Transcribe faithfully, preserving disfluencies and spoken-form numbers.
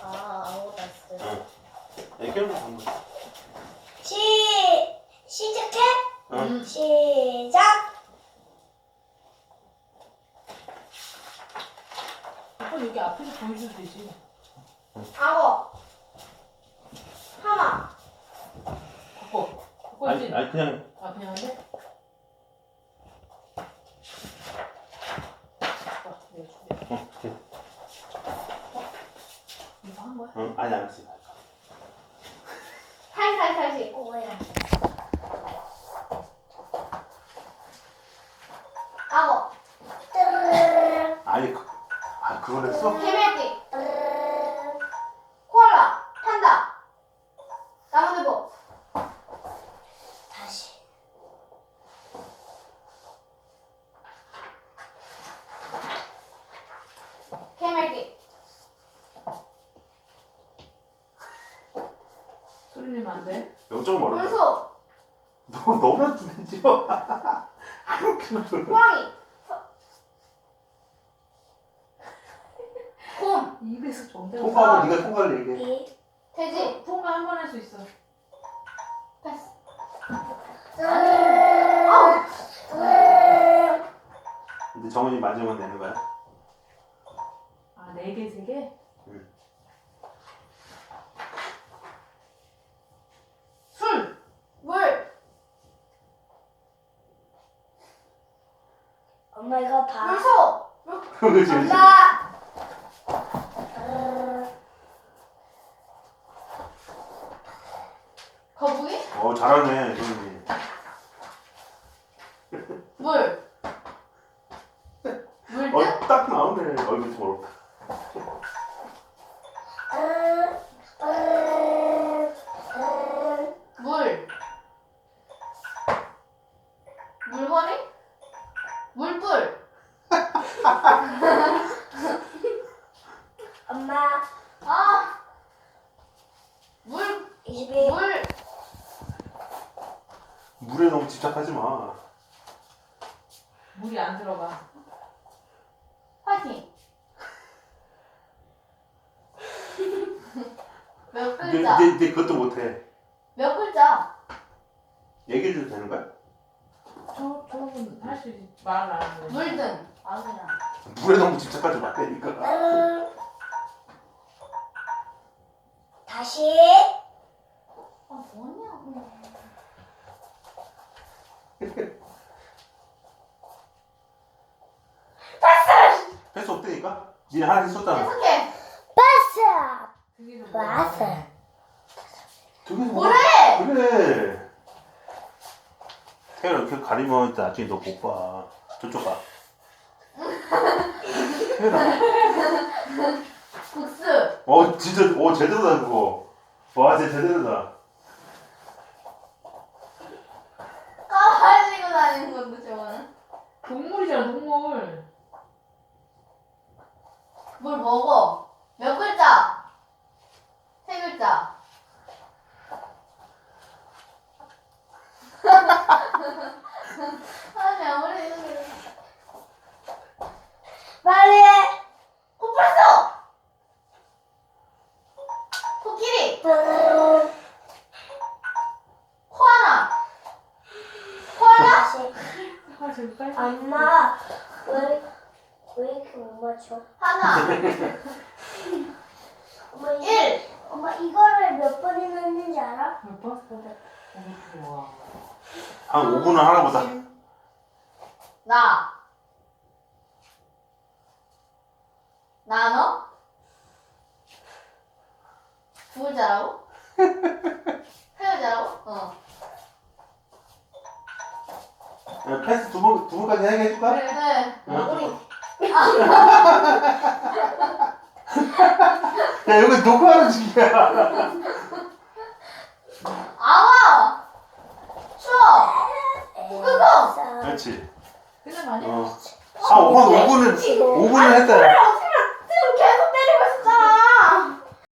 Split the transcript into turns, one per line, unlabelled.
아, 아무것도 안 쓰네.
응. 애교는 한 번.
시, 시작해?
응.
시작!
아빠 여기 앞에서 보여줘도 되지.
악어. 하마.
바꿔. 바꿔야지.
아니, 아니 그냥
아, 그냥 한대? 아, 내가 줄게.
어, 오케이.
이거 한 거야?
응, 아니 안 했어.
살살살시. 어, 뭐야. 악어. 뜨르르르.
아니 그, 아 그걸 했어?
개미띠. 코알라. 판다. 나무늘보. 다시. 개미띠.
소리 내면 안 돼?
여기 조금 어렵다.
물소.
너 너무 두대지 마. 그렇게
호랑이. 곰.
입에서 정대가
통과하고 네가 통과를 얘기해.
이. 돼지.
통과 한 번 할 수 있어.
패스. 아우.
근데 정훈이 맞으면 되는 거야?
아, 네 개, 세 개?
응.
술!
물. 엄마 이거 봐. 물소.
그렇지 그렇지.
엄마. 거북이?
어 잘하네 정훈이.
물. 물등?
어딱 나오네. 얼굴 좀 어렵다.
물. 물건이? 물불. 엄마. 아. 물. 이십일. 물.
물에 너무 집착하지 마.
물이 안 들어가.
화이팅. 몇
근데
글자?
이제, 이제 그것도 못해.
몇 글자?
얘기해줘도 되는 거야?
저, 저분 할 수 있지. 말을 안 하는 거지.
물등. 아 그냥.
물에 너무 집착하지 말라니까.
다시. 아 뭐냐고. 패스.
패스 없다니까? 니네 하나 했었잖아.
계속해. 패스.
그게 좀
맞아.
뭐야?
저기서
뭐래?
그래. 태연아 이렇게 가리면 나중에 너 못 봐. 저쪽 가. 태연아.
국수.
어 진짜 어 제대로다 그거. 와 진짜 제대로다.
까발리고 다니는 건데 저거는.
동물이잖아, 동물.
뭘 먹어? 몇 글자? 세 글자. 아니 아무리 이렇게. 빨리 해. 코뿔소. 코끼리. 코아나. 코아나?
아, 저기 빨리.
엄마 왜, 왜 이렇게 못 맞춰? 하나. 엄마 일. 엄마 이거를 몇 번이나 했는지 알아?
몇 번? 어, 좋아.
한 오 분은 하나 보다.
나. 나 너? 두 글자라고? 세 글자라고? 어.
야, 패스 두 번, 두 번까지 하게 해줄까?
네.
응.
우리
야 여기 녹화하는 중이야.
아와. 추워. 북극곰.
그렇지.
끝난 거 아니야?
어. 아 오 분 오 분은 오 분은 했다.